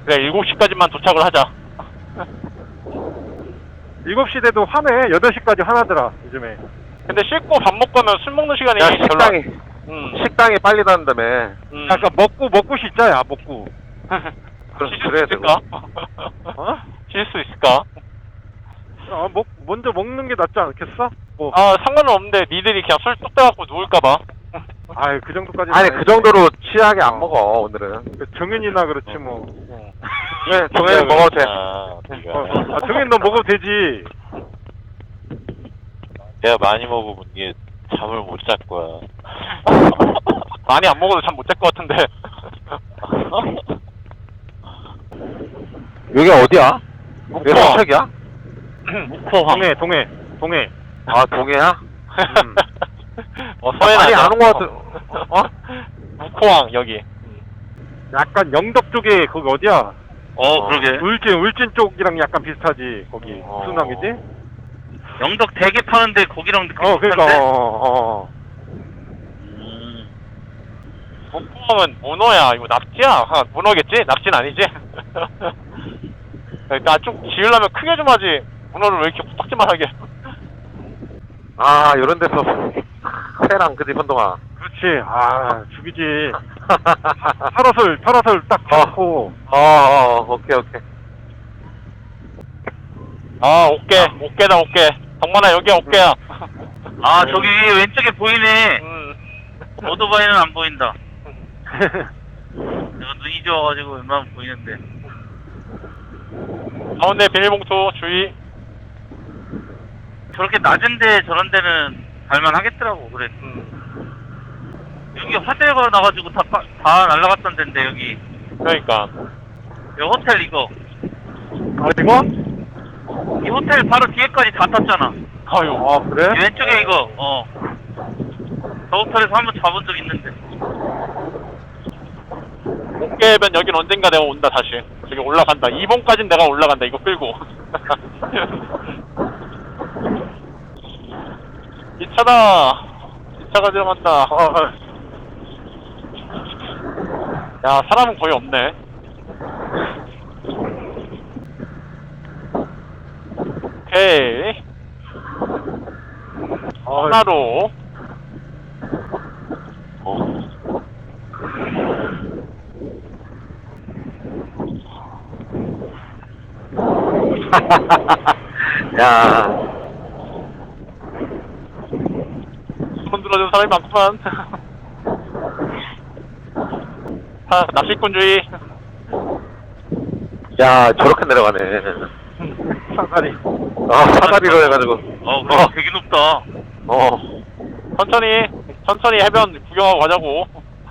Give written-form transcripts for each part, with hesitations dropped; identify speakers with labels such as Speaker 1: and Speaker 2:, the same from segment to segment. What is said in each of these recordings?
Speaker 1: 그래 7시까지만 도착을 하자.
Speaker 2: 7시 돼도 화내. 8시까지 화나더라 요즘에.
Speaker 1: 근데 씻고 밥 먹고 하면 술 먹는 시간이
Speaker 3: 야, 식당이, 식당이 빨리 닫는다며.
Speaker 2: 아까 먹고 씻자, 야, 먹고.
Speaker 1: 쉴 수
Speaker 3: 그래야
Speaker 1: 있을까?
Speaker 2: 어?
Speaker 1: 쉴 수 있을까?
Speaker 2: 먼저 먹는 게 낫지 않겠어? 뭐.
Speaker 1: 아 상관은 없는데 니들이 그냥 술 뚝 따갖고 누울까봐.
Speaker 2: 아이, 그 정도까지.
Speaker 3: 아니, 그 정도로 취하게 안 먹어, 오늘은.
Speaker 2: 정현이나 그렇지, 뭐.
Speaker 3: 그래, 종현이 먹어도 돼.
Speaker 2: 정현 너 먹어도 되지.
Speaker 4: 내가 많이 먹으면 이게 잠을 못 잘 거야.
Speaker 1: 많이 안 먹어도 잠 못 잘 것 같은데.
Speaker 3: 여기 어디야? 여기 서책이야?
Speaker 4: 묵호황.
Speaker 2: 동해.
Speaker 3: 아, 동해야?
Speaker 1: 서해나.
Speaker 3: 많이 안 온 거 같은, 어?
Speaker 1: 묵호황 여기.
Speaker 2: 약간 영덕 쪽에, 거기 어디야?
Speaker 4: 그러게.
Speaker 2: 울진 쪽이랑 약간 비슷하지, 거기. 무슨 항이지?
Speaker 4: 영덕 대게 파는데 거기랑 느낌
Speaker 2: 그러니까,
Speaker 1: 묵호황은 문어야. 이거 납치야? 문어겠지? 납치는 아니지? 나 좀 지으려면 크게 좀 하지. 문어를 왜 이렇게 코딱지만 하게.
Speaker 3: 아, 요런 데서, 회랑 그지, 현동아.
Speaker 2: 그렇지. 죽이지. 파라솔 딱 잡고.
Speaker 3: 오케이.
Speaker 1: 옥계다, 옥계. 덕만아, 여기야, 옥계야.
Speaker 4: 저기 왼쪽에 보이네. 오토바이는 안 보인다. 내가 눈이 좋아가지고 웬만하면 보이는데.
Speaker 1: 가운데 비닐봉투 주의.
Speaker 4: 저렇게 낮은데 저런 데는 갈만하겠더라고. 그래. 여기 화재가 나가지고 다 날라갔던 데인데 여기.
Speaker 1: 그러니까.
Speaker 4: 여기 호텔 이거.
Speaker 2: 어디고?
Speaker 4: 이 호텔 바로 뒤에까지 다 탔잖아.
Speaker 1: 아유.
Speaker 2: 그래?
Speaker 4: 이 왼쪽에 이거. 저 호텔에서 한번 잡은 적 있는데.
Speaker 1: 옥계면 여긴 언젠가 내가 온다, 다시. 저기 올라간다. 2번까진 내가 올라간다, 이거 끌고. 이 차다. 이 차가 들어간다. 야, 사람은 거의 없네. 오케이. 하나로.
Speaker 3: 야,
Speaker 1: 손 들어준 사람이 많구만. 낚시꾼주의.
Speaker 3: 야, 저렇게 내려가네.
Speaker 2: 사다리.
Speaker 3: 사다리로 해가지고.
Speaker 4: 그래 되게 높다.
Speaker 1: 천천히 해변 구경하고 가자고.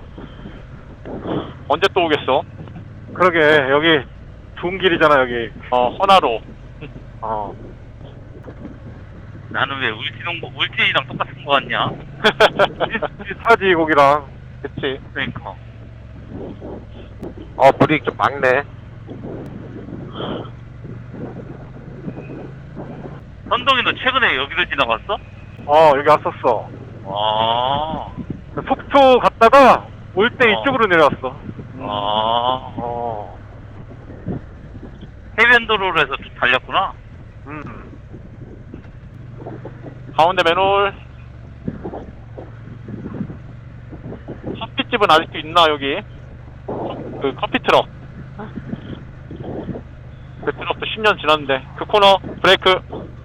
Speaker 1: 언제 또 오겠어?
Speaker 2: 그러게, 여기 좋은 길이잖아, 여기.
Speaker 1: 허나로.
Speaker 4: 나는 왜 울진이랑 똑같은 거 같냐?
Speaker 2: 비슷하지, 거기랑.
Speaker 1: 그치.
Speaker 4: 그러니까.
Speaker 3: 물이 좀 막네.
Speaker 4: 선동이 너 최근에 여기를 지나갔어?
Speaker 2: 여기 왔었어.
Speaker 4: 아.
Speaker 2: 속초 갔다가 올 때 이쪽으로 내려왔어.
Speaker 4: 해변도로로 해서 쭉 달렸구나.
Speaker 1: 가운데 맨홀. 커피집은 아직도 있나, 여기? 그 커피 트럭. 그 트럭도 10년 지났는데. 그 코너, 브레이크.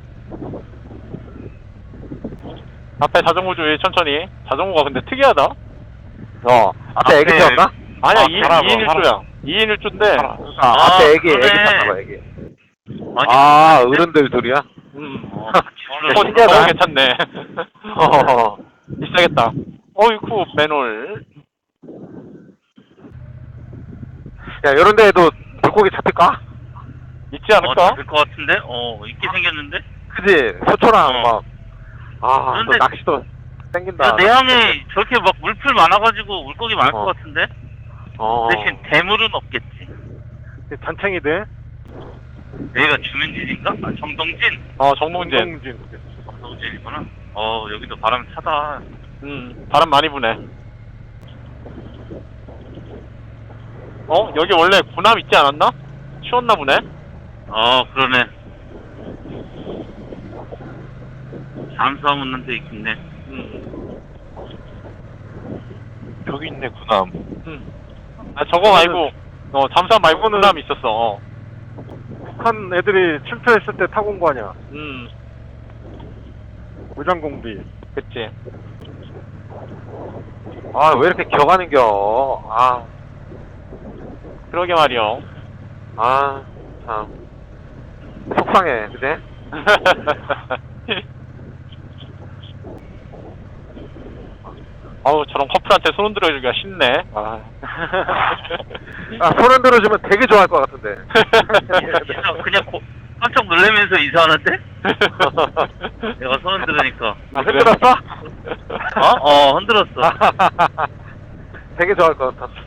Speaker 1: 앞에 자전거 주의, 천천히. 자전거가 근데 특이하다.
Speaker 3: 앞에 애기 태웠나?
Speaker 1: 아니야,
Speaker 4: 사람,
Speaker 1: 2인 1조야. 2인 1조인데.
Speaker 3: 앞에 애기
Speaker 4: 그러네.
Speaker 3: 탔나봐, 애기.
Speaker 4: 아니,
Speaker 3: 어른들 둘이야?
Speaker 1: 너무 괜찮네. 비싸겠다. 어이쿠, 맨홀.
Speaker 3: 야, 요런 데에도 물고기 잡힐까?
Speaker 1: 있지 않을까?
Speaker 4: 잡힐 것 같은데? 있게 생겼는데?
Speaker 3: 그지? 소초랑 막. 또
Speaker 4: 그런데-
Speaker 3: 낚시도 땡긴다.
Speaker 4: 내항에 저렇게 막 물풀 많아가지고 물고기 많을 것 같은데? 대신 대물은 없겠지.
Speaker 2: 단창이 돼?
Speaker 4: 여기가 주민진인가? 정동진?
Speaker 1: 정동진.
Speaker 4: 정동진이구나. 여기도 바람 차다.
Speaker 1: 바람 많이 부네. 여기 원래 군함 있지 않았나? 치웠나 보네?
Speaker 4: 그러네. 잠수함 없는 데 있겠네.
Speaker 3: 저기 있네, 군함.
Speaker 1: 아, 저거 말고, 잠수함 말고 군함 있었어.
Speaker 2: 북한 애들이 침투했을 때 타고 온 거 아니야. 무장공비.
Speaker 1: 그치.
Speaker 3: 아, 왜 이렇게 격하는겨? 아,
Speaker 1: 그러게 말이요.
Speaker 3: 아, 참. 속상해, 그제?
Speaker 1: 어우, 저런 커플한테 손 흔들어주기가 쉽네. 아.
Speaker 3: 손 흔들어주면 되게 좋아할 것 같은데.
Speaker 4: 그냥 깜짝 놀라면서 인사하는데? 내가 손 흔들으니까.
Speaker 3: 흔들었어?
Speaker 4: 흔들었어.
Speaker 3: 되게 좋아할 것 같아.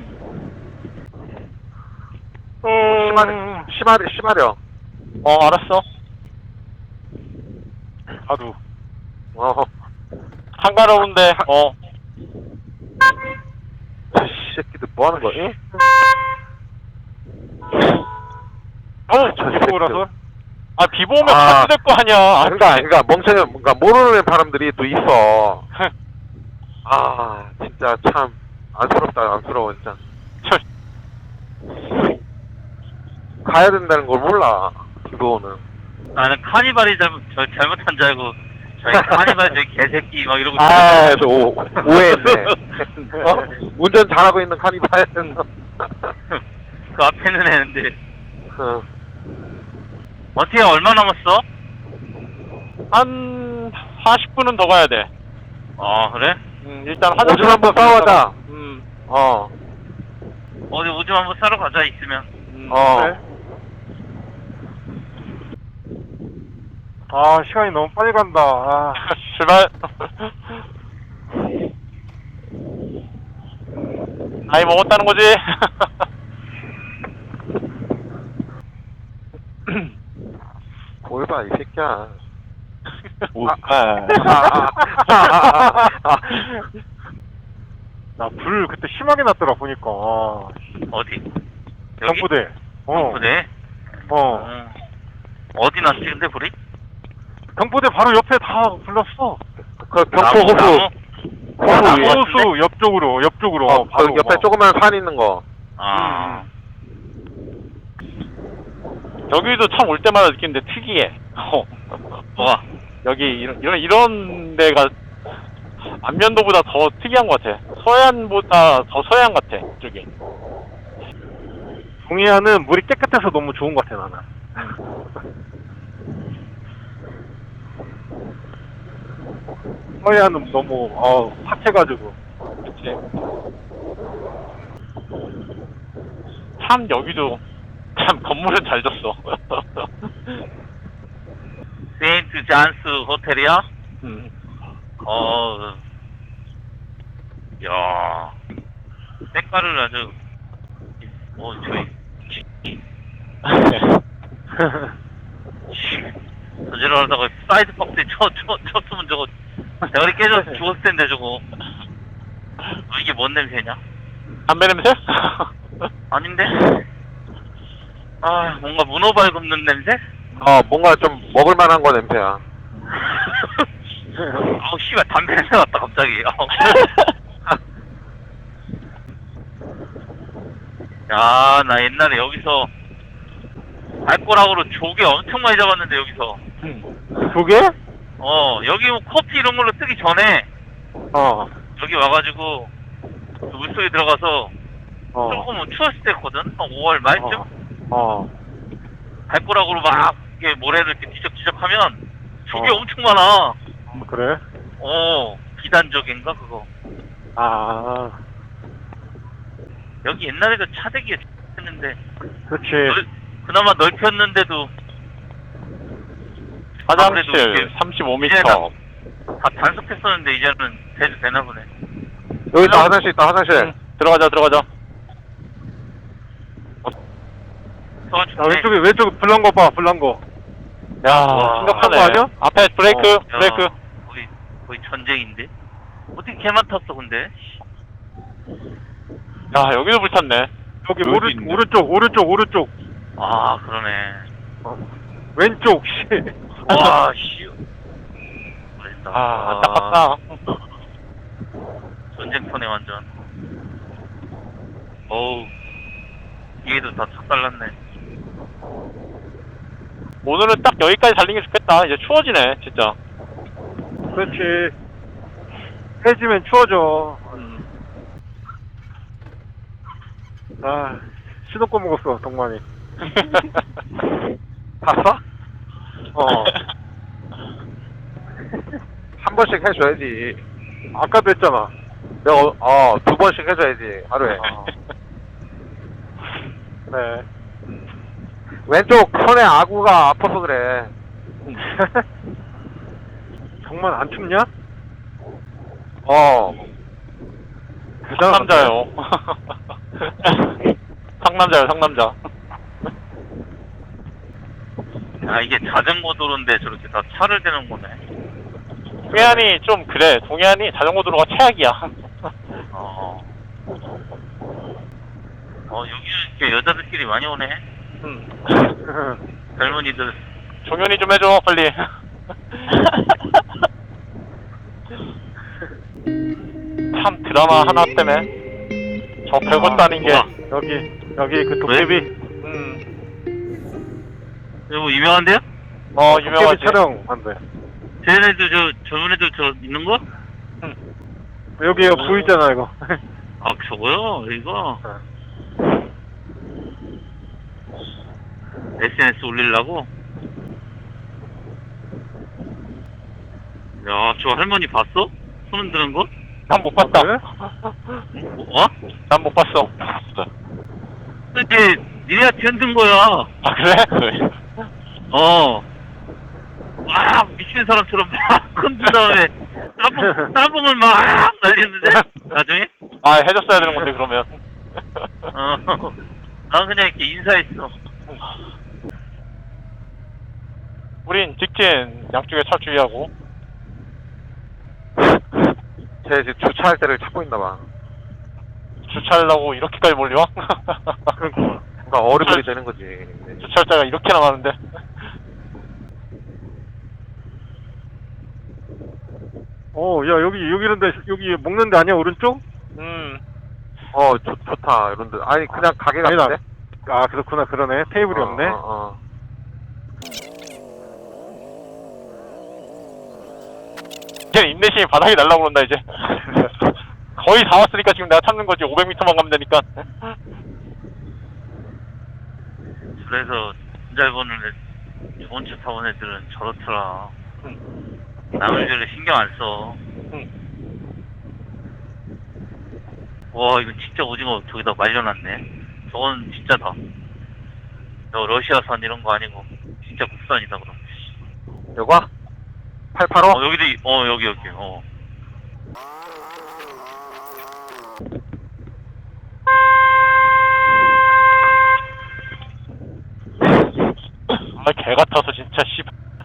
Speaker 3: 심하려.
Speaker 1: 알았어.
Speaker 2: 아두.
Speaker 1: 한가로운데,
Speaker 3: 저 새끼들 뭐 하는 거야? 응?
Speaker 2: 비보라서?
Speaker 1: 아, 비보 오면 같이 될 거 아니야.
Speaker 3: 그러니까 멍청해, 뭔가 모르는 사람들이 또 있어. 아, 진짜 참 안쓰럽다, 안쓰러워 진짜. 가야 된다는 걸 몰라, 비보는.
Speaker 4: 나는 카니발이 잘못한 줄 알고 저희 카니발 저기 개새끼 막 이러고
Speaker 3: 아, 저 오해했네. 운전 잘하고 있는 카니발은.
Speaker 4: 그 앞에는 했는데
Speaker 3: 어.
Speaker 4: 어떻게 얼마 남았어?
Speaker 1: 한 40분은 더 가야 돼.
Speaker 4: 그래?
Speaker 1: 일단
Speaker 3: 오줌 한번 싸워가자.
Speaker 4: 어디 오줌 한번 싸러 가자 있으면.
Speaker 2: 네. 아, 시간이 너무 빨리 간다. 아.
Speaker 1: 출발. 나이 먹었다는 거지.
Speaker 3: 뭘 봐, 이 새끼야.
Speaker 2: 나 불 그때 심하게 났더라, 보니까.
Speaker 4: 어디? 여기?
Speaker 2: 경부대.
Speaker 4: 경부대? 어디 났지 근데 불이?
Speaker 2: 경부대 바로 옆에 다 불렀어.
Speaker 3: 그 경포 호수.
Speaker 2: 호수 옆쪽으로.
Speaker 3: 그 옆에 조그만 산 있는 거.
Speaker 1: 여기도 참 올 때마다 느끼는데 특이해.
Speaker 4: 뭐가?
Speaker 1: 여기 이런 데가 안면도보다 더 특이한 것 같아. 서해안보다 더 서해안 같아, 이쪽이.
Speaker 2: 동해안은 물이 깨끗해서 너무 좋은 것 같아, 나는. 서해안은 너무 팍해가지고.
Speaker 1: 그치. 참 여기도 참 건물은 잘 졌어.
Speaker 4: 세인트 잔스 호텔이야? 야, 색깔을 아주 저지러하다가 사이드 박스에 쳤으면 저거 대가리 깨져서 죽었을 텐데 저거. 이게 뭔 냄새냐?
Speaker 1: 담배 냄새?
Speaker 4: 아닌데? 뭔가 문어발 굽는 냄새?
Speaker 3: 뭔가 좀 먹을만한 거 냄새야.
Speaker 4: 씨발 담배 냄새 났다 갑자기. 야, 나 옛날에 여기서 알코올하고로 조개 엄청 많이 잡았는데 여기서.
Speaker 3: 조개?
Speaker 4: 여기 뭐 커피 이런 걸로 뜨기 전에 여기 와가지고 그 물속에 들어가서 조금 추웠을 때거든? 한 5월 말쯤? 발꼬락으로 막 이렇게 모래를 이렇게 뒤적뒤적하면 조개 엄청 많아.
Speaker 2: 그래?
Speaker 4: 비단적인가 그거. 여기 옛날에도 차대기가 했는데
Speaker 2: 그렇지.
Speaker 4: 그나마 넓혔는데도
Speaker 1: 화장실
Speaker 4: 이제
Speaker 1: 35m.
Speaker 4: 다 단속했었는데 이제는 돼도 되나 보네.
Speaker 3: 여기 있다, 화장실 있다, 화장실.
Speaker 1: 들어가자.
Speaker 2: 왼쪽에 불난 거 봐, 불난 거.
Speaker 1: 야,
Speaker 2: 거
Speaker 1: 심각하네.
Speaker 2: 아니야?
Speaker 1: 앞에 브레이크.
Speaker 4: 거의 전쟁인데? 어떻게 걔만 탔어 근데?
Speaker 1: 야, 여기도 불탔네.
Speaker 2: 저기
Speaker 1: 여기 있네.
Speaker 2: 오른쪽.
Speaker 4: 아, 그러네.
Speaker 2: 왼쪽, 씨.
Speaker 4: 와, 씨. 맛있다.
Speaker 1: 아, 안타깝다.
Speaker 4: 전쟁터네, 완전. 어우. 얘도 다 착달랐네.
Speaker 1: 오늘은 딱 여기까지 달리는 게 좋겠다. 이제 추워지네, 진짜.
Speaker 2: 그렇지. 해지면 추워져. 아, 시도꺼 먹었어, 동만이.
Speaker 3: 봤어?
Speaker 2: 어.
Speaker 3: 한 번씩 해줘야지.
Speaker 2: 아까도 했잖아.
Speaker 3: 내가, 2번씩 해줘야지, 하루에.
Speaker 2: 네.
Speaker 3: 왼쪽 손에 아구가 아파서 그래.
Speaker 2: 정말 안 춥냐?
Speaker 1: 상남자요. 상남자.
Speaker 4: 아, 이게 자전거 도로인데 저렇게 다 차를 대는 거네.
Speaker 1: 동해안이 좀 그래. 동해안이 자전거 도로가 최악이야.
Speaker 4: 여기 이렇게 여자들끼리 많이 오네. 젊은이들.
Speaker 1: 종현이 좀 해줘, 빨리. 참 드라마 하나 때문에 저 별것도 아닌 게
Speaker 2: 여기 그 도깨비.
Speaker 4: 이거 뭐 유명한데요?
Speaker 1: 유명하지.
Speaker 2: 도깨비 촬영 한대.
Speaker 4: 쟤네들 젊은 애들 있는 거?
Speaker 2: 여기 보이잖아, 이거.
Speaker 4: 아, 저거요? 이거? SNS 올리려고? 야, 저 할머니 봤어? 손 흔드는 거?
Speaker 1: 난 못 봤다.
Speaker 2: 그래?
Speaker 1: 난 못 봤어.
Speaker 4: 근데 니네가 흔든 거야.
Speaker 1: 아, 그래?
Speaker 4: 막 미친 사람처럼 막 흔든 다음에 따봉을 막 날리는데 나중에?
Speaker 1: 아, 해줬어야 되는 건데, 그러면.
Speaker 4: 난 그냥 이렇게 인사했어.
Speaker 1: 우린 직진 양쪽에 차 주의하고.
Speaker 3: 쟤 지금 주차할 때를 찾고 있나봐.
Speaker 1: 주차하려고 이렇게까지 몰려와?
Speaker 3: 그러니까 어리버리 되는 거지.
Speaker 1: 주차할 이렇게나 많은데.
Speaker 2: 야, 여기 먹는데 아니야, 오른쪽?
Speaker 3: 좋다, 이런데. 아니, 그냥 가게
Speaker 2: 아니다.
Speaker 3: 같은데?
Speaker 2: 아, 그렇구나, 그러네. 테이블이 없네.
Speaker 1: 걔 인내심이 바닥이 날라고 그런다, 이제. 거의 다 왔으니까 지금 내가 참는 거지. 500m만 가면 되니까.
Speaker 4: 그래서 진잘 보는 좋은 차 타본 애들은 저렇더라. 남의 별로 신경 안 써. 와, 이거 진짜 오징어 저기다 말려놨네. 저건 진짜다. 저 러시아산 이런 거 아니고 진짜 국산이다 그럼.
Speaker 3: 여과? 885?
Speaker 4: 여기도 여기.
Speaker 1: 아, 개 같아서 진짜, 씨.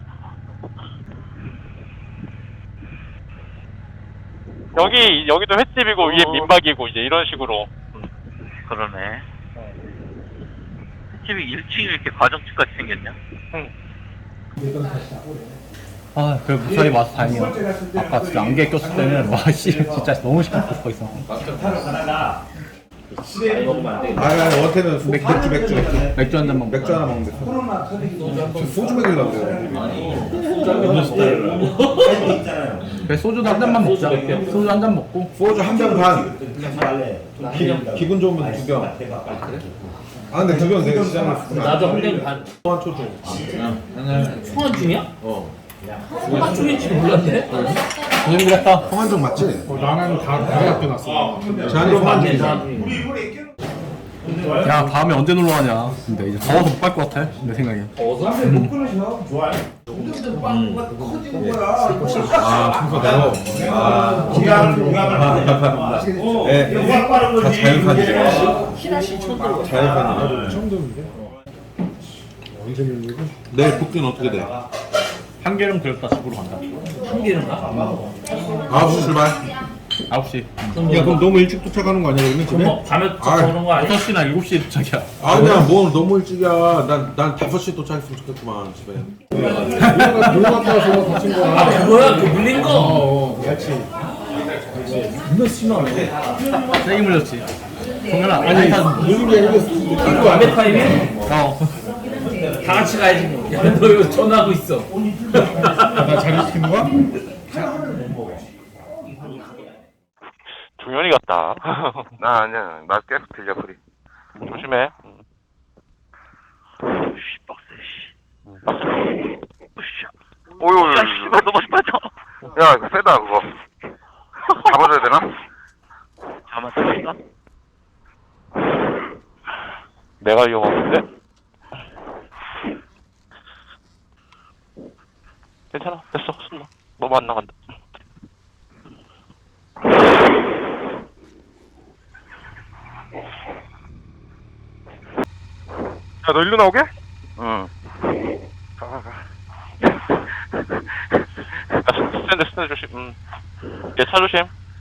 Speaker 1: 여기도 횟집이고, 위에 민박이고, 이제 이런 식으로.
Speaker 4: 그러네. 집이 1층이 이렇게 가정집 같이 생겼냐?
Speaker 5: 아, 그래 무사히 와서 다행이야. 아까 진짜 안개 꼈을 때는 와 씨 진짜 너무 시끄럽고 싶어 있어.
Speaker 6: 아니 원태는 맥주
Speaker 5: 맥주 한 잔만
Speaker 6: 맥주 하나 먹는데 소주 먹이려고요.
Speaker 5: 그래 소주도 한 잔만 먹자. 소주 한 잔 먹고
Speaker 6: 소주 한 병 반. 기분 좋으면 2병. 아 근데 2병 내가 시장에
Speaker 7: 나도 한 병 반.
Speaker 6: 소환 초중.
Speaker 7: 송환 중이야? 송환 중인지 몰랐네.
Speaker 5: 고생했다.
Speaker 6: 성한종 맞지? 나는 다 학교 났어. 제한이
Speaker 7: 맞네.
Speaker 6: 성한종.
Speaker 5: 야 다음에 언제 놀러 가냐. 근데 이제 더워서 못 갈 것 같아. 내 생각에.
Speaker 6: 아 순서 대로. 네. 다 자연산이에요. 자연산이에요. 처음 듣는데. 언제 밀리고? 내일 복귀는 어떻게 돼?
Speaker 5: 한계령 들었다 집으로 간다.
Speaker 7: 한 개는 가?
Speaker 6: 9시 출발.
Speaker 5: 9시.
Speaker 6: 야 그럼 너무 일찍 도착하는 거 아니야 그러면
Speaker 7: 그럼
Speaker 6: 집에?
Speaker 7: 뭐 밤에 도착하는 거 아니야?
Speaker 5: 6시나 7시에 도착이야.
Speaker 6: 아니야 뭐 너무 일찍이야. 난 5시에 도착했으면 좋겠구만 집에. 놀러 갔다 와서 다친 거야.
Speaker 7: 아 그거야? 그 물린 거?
Speaker 6: 그렇지.
Speaker 7: 존나 심하네.
Speaker 5: 세게 물렸지. 동현아,
Speaker 6: 아니 물린 게 아니라
Speaker 7: 이거 밤에 타임이야?
Speaker 5: 어.
Speaker 7: 다 같이 가야지 뭐. 야, 너 이거 전화하고 있어.
Speaker 6: 나 자리 시키는 거야?
Speaker 1: 종현이 같다.
Speaker 3: 나 아니야. 나 계속 들려 소리.
Speaker 1: 조심해.
Speaker 4: 씨, 빡세, 씨.
Speaker 3: 오유.
Speaker 4: 야, 씨발, 너무 빠져.
Speaker 3: 야 이거 세다 그거. 잡아줘야 되나?
Speaker 4: 잠깐만, 잠깐만.
Speaker 1: 내가 위험한데? 괜찮아. 됐어. 숨어. 너무 안 나간다.
Speaker 2: 야, 너 일로 나오게?
Speaker 3: 응.
Speaker 1: 스탠드 조심. 얘차 조심.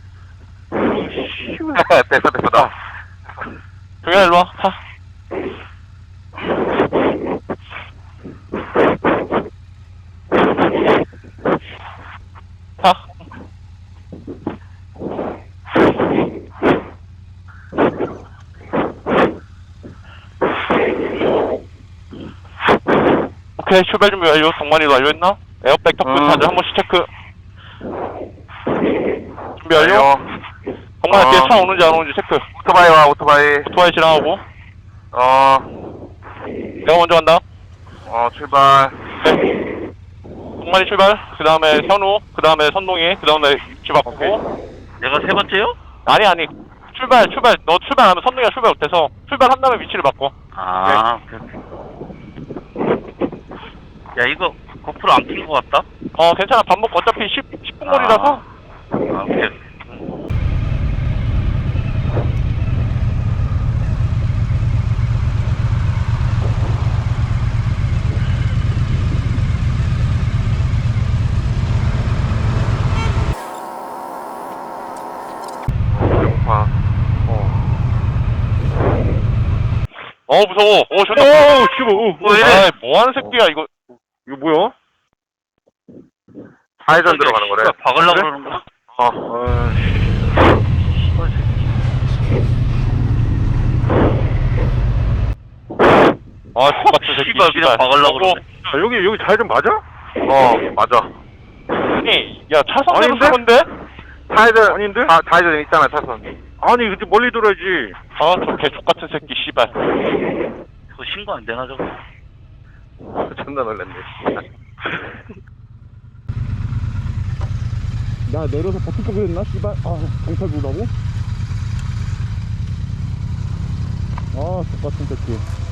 Speaker 3: 됐어 됐어.
Speaker 1: 동현아, 일로 와. 타. 타. 오케이, 출발 준비 완료. 동만이도 완료했나? 에어백 턱부 다들 한 번씩 체크. 준비 완료. 동만아, 뒤에 차 오는지 안 오는지 체크.
Speaker 3: 오토바이 와 오토바이.
Speaker 1: 오토바이 지나가고. 내가 먼저 간다.
Speaker 3: 출발.
Speaker 1: 네. 동만이 출발. 그 다음에 현우. 그 다음에 선동이. 그 다음에 위치 바꾸고.
Speaker 4: 내가 세 번째요?
Speaker 1: 아니. 출발. 너 출발하면 선동이가 출발 못해서 출발한 다음에 위치를 바꿔.
Speaker 4: 아, 오케이. 야, 이거 고프로 안 낀 거 같다?
Speaker 1: 괜찮아. 밥 먹고 어차피 10분 거리라서.
Speaker 4: 아, 오케이.
Speaker 3: 배고파.
Speaker 1: 무서워. 존나.
Speaker 2: 오, 씨발.
Speaker 4: 왜?
Speaker 1: 아이, 뭐 하는 새끼야, 이거.
Speaker 2: 이거 뭐야?
Speaker 3: 좌회전 들어가는 거래.
Speaker 4: 박으려고
Speaker 2: 그래?
Speaker 4: 그러는 거야?
Speaker 1: 똑같은 새끼.
Speaker 4: 씨발, 그냥 박으려고 그러네.
Speaker 2: 야, 여기 좌회전 맞아?
Speaker 3: 맞아.
Speaker 1: 아니, 야, 차선대로
Speaker 2: 아닌데?
Speaker 1: 쓰는데?
Speaker 3: 좌회전.
Speaker 2: 아닌데?
Speaker 3: 좌회전 있잖아 차선.
Speaker 2: 아니, 근데 멀리 돌아야지.
Speaker 1: 저 개족같은 새끼, 씨발.
Speaker 4: 그거 신고 안 되나, 저거?
Speaker 3: 존나 놀랐네.
Speaker 6: 나 내려서 버틸 거 그랬나? 씨발. 경찰 부르라고? 똑같은 새끼.